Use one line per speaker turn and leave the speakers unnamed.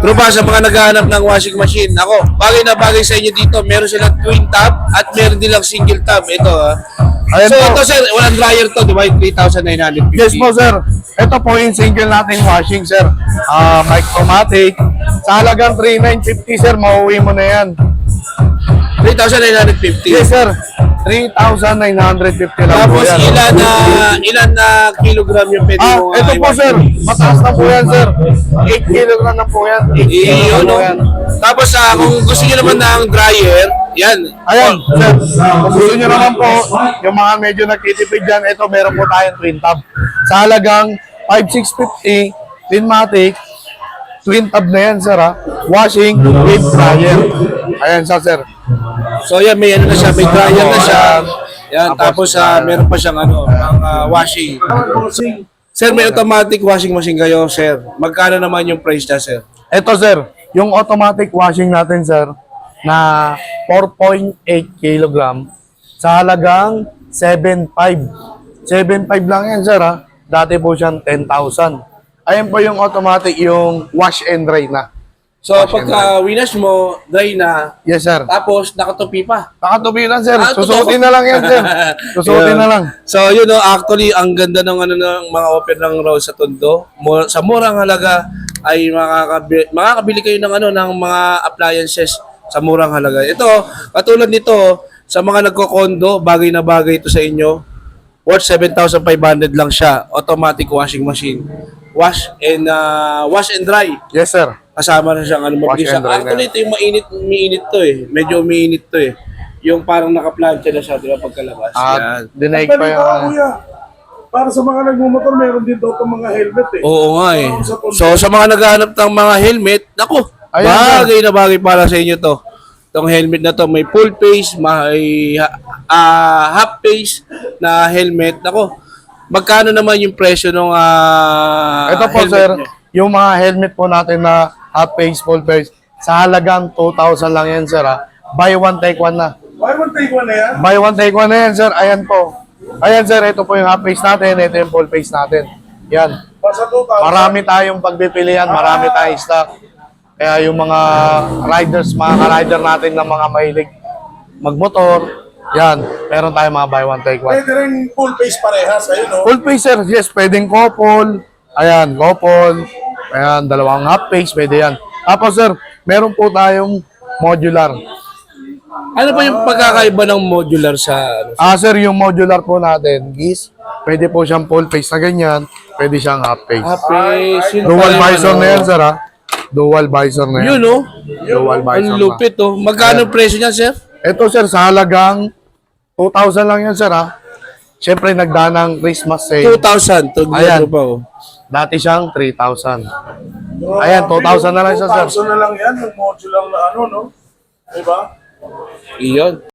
True ba sa mga naghahanap ng washing machine? Ako, bagay na bagay sa inyo dito. Meron silang twin tab at meron din lang single tab. Ito
Ayan
So
po.
ito sir, walang dryer to, di ba? 3,950.
Yes po, sir. Ito po yung single nating washing, sir. Micromatic. Sa halagang 3,950, sir, mauwi mo na yan.
3,950.
Yes, sir. 3,950 lang po
Tapos
yan.
ilan na kilogram yung pwede mo?
Ito po, sir. Mataas na po yan, sir. 8 kilogram na po yan. 8 kilogram
Iyon,
po
no?
yan.
Tapos kung gusto niyo naman ng dryer, yan.
Ayan, sir. Kung gusto nyo naman po, yung mga medyo nagtitipid dyan, ito, meron po tayong twin tab. Sa halagang 5,650, Twinmatic, twin tab na yan, sir, ha? Washing with dryer. Ayan siya, sir.
So yan, may ano na siya, may dryer na siya. Yan,
Tapos,
tapos meron pa siyang washing. Sir, may automatic washing machine kayo, sir. Magkano naman yung price niya, sir?
Ito, sir, yung automatic washing natin, sir, na 4.8 kilogram sa halagang 7.5. 7.5 lang yan, sir, ha? Dati po siyang 10,000. Ayan po yung automatic, yung wash and dry na.
So, pagka winash mo, dry na,
Yes, sir.
tapos nakatupi pa.
Nakatubi lang, sir.
Ah,
Susuotin na lang yan, sir. Susuotin na lang.
So, yun know, actually, ang ganda ng ng mga open ng Rose sa Tondo. Sa murang halaga ay makakabili kayo ng ng mga appliances sa murang halaga. Ito, katulad nito, sa mga nagko-condo, bagay na bagay ito sa inyo. Worth 7,500 lang siya. Automatic washing machine. Wash and dry.
Yes, sir.
Kasama na siyang mabilis.
Wash and dry na.
Actually, ito yung umiinit to eh. Medyo umiinit to eh. Yung parang naka-plancha na siya, di ba, pagkalabas. Yan.
Dinaig
Ang
pa
galing
yung...
ka, kuya. Para sa mga nagmumotor, meron din daw itong mga helmet eh.
Oo nga eh. So, sa mga naghahanap ng mga helmet, naku,
Ayan,
bagay na bagay para sa inyo to. Itong helmet na to, may full face, may half face na helmet. Naku, magkano naman yung presyo ng
Ito po,
helmet
sir,
nyo?
yung mga helmet po natin na half face, full face, sa halagang 2,000 lang yan, sir, ha? Buy one, take one na.
Why one take one na yan?
Buy one, take one na yan, sir. Ayan po. Ayan, sir, ito po yung half face natin, ito yung full face natin. Yan.
Basta 2,000.
Marami tayong pagpipilian, marami tayong stock. Kaya yung mga riders, mga ka-rider natin na mga mahilig magmotor, yan, meron tayong mga buy one, take one.
Pwede rin full face parehas. Ayun o.
Full face, sir, yes, pwedeng couple. Ayan, couple. Ayan, dalawang half face, pwede yan. Tapos, sir, meron po tayong modular.
Ano pa yung pagkakaiba ng modular sa
Sir, yung modular po natin is, pwede po siyang full face na ganyan, pwede siyang half face.
face? Yun
Dual
pala yung
visor na yan, sir, ha? Dual visor na yan.
Yun, no?
Dual visor
Ang
na.
lupit, oh. Magkano presyo niyan, sir?
Ito, sir, sa halagang 2,000 lang yan, sir, ha? Siyempre, nagdaan ng Christmas sale.
2,000.
Ayan.
Pa, oh.
Dati siyang 3,000. Ayan, 2,000 na lang siya, sir.
2,000 na lang yan. Yung modular na no? Diba?
Iyon.